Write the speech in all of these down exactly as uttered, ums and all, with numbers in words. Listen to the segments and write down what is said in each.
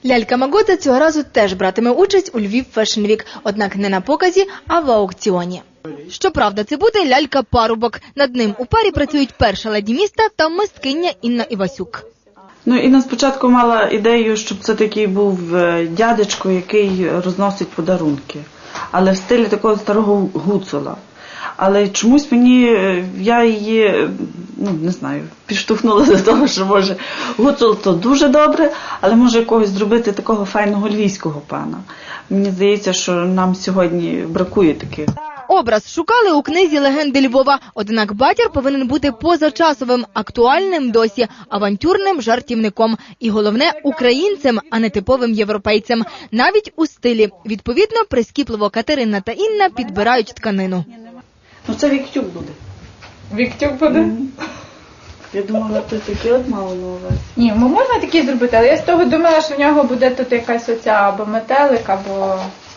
Лялька Магота цього разу теж братиме участь у Львів Fashion Week, однак не на показі, а в аукціоні. Щоправда, це буде лялька-парубок. Над ним у парі працюють перша леді міста та мисткиня Інна Івасюк. Ну, Інна спочатку мала ідею, щоб це такий був дядечко, який розносить подарунки, але в стилі такого старого гуцула. Але чомусь мені, я її, ну, не знаю, підштовхнула до того, що, може, гуцул то дуже добре, але може якогось зробити такого файного львівського пана. Мені здається, що нам сьогодні бракує таких. Образ шукали у книзі «Легенди Львова», однак батір повинен бути позачасовим, актуальним досі, авантюрним жартівником. І головне – українцем, а не типовим європейцем. Навіть у стилі. Відповідно, прискіпливо Катерина та Інна підбирають тканину. Ну, це Віктюк буде. Віктюк буде? Mm. Я думала, ти такі от мало на увазі. Ні, ну можна такі зробити, але я з того думала, що в нього буде тут якась оця або метелик, або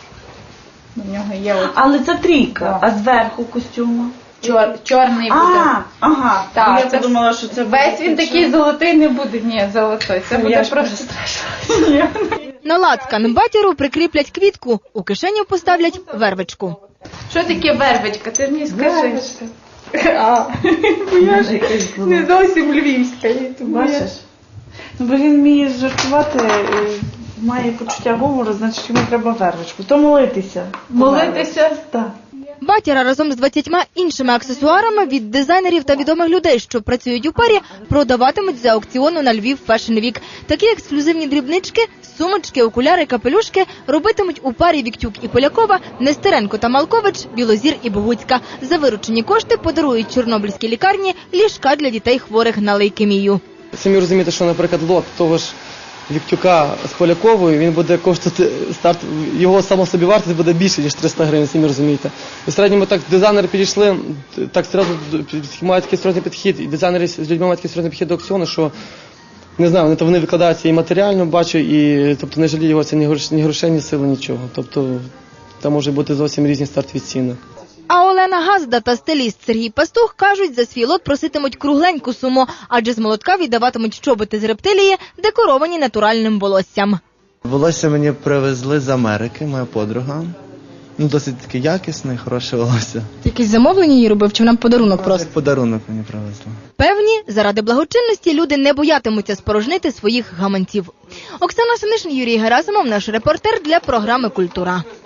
в нього є от... Але це трійка, а зверху костюму? Чор... Чорний буде. А, ага. Так, я це думала, що це весь він такий золотий не буде. Ні, золотой. Це буде просто страшно. На лацкан батіру прикріплять квітку, у кишеню поставлять вервичку. Що таке вервичка? Ти мені скажи. А, бо я ж не зовсім львівська. Бачиш? Ну, бо він вміє жартувати, має почуття гумору, значить йому треба вервичку. То молитися. Молитися? Так. Батіра разом з двадцятьма іншими аксесуарами від дизайнерів та відомих людей, що працюють у парі, продаватимуть за аукціону на Львів Fashion Week. Такі ексклюзивні дрібнички, сумочки, окуляри, капелюшки робитимуть у парі Віктюк і Полякова, Нестеренко та Малкович, Білозір і Богуцька. За виручені кошти подарують Чорнобильській лікарні ліжка для дітей хворих на лейкемію. Самі розумієте, що, наприклад, лот того ж Віктюка з Поляковою, він буде коштувати, старт, його самособівартість буде більше, ніж триста гривень, самі розумієте. І в середньому так дизайнери підійшли, так серйозно, мають такий серйозний підхід, і дизайнери з людьми мають такий серйозний підхід до аукціону, що, не знаю, вони, вони викладаються і матеріально, бачу, і, тобто, не жаліють його, це ні грошей, ні грошей, ні сили, нічого. Тобто, там можуть бути зовсім різні стартові ціни. А Олена Газда та стиліст Сергій Пастух кажуть, за свій лот проситимуть кругленьку суму, адже з молотка віддаватимуть чоботи з рептилії, декоровані натуральним волоссям. Волосся мені привезли з Америки, моя подруга. Ну, досить таки якісне, хороше волосся. Якісь замовлення її робив, чи вона подарунок просто? Подарунок мені привезли. Певні, заради благочинності люди не боятимуться спорожнити своїх гаманців. Оксана Синишин, Юрій Герасимов, наш репортер для програми «Культура».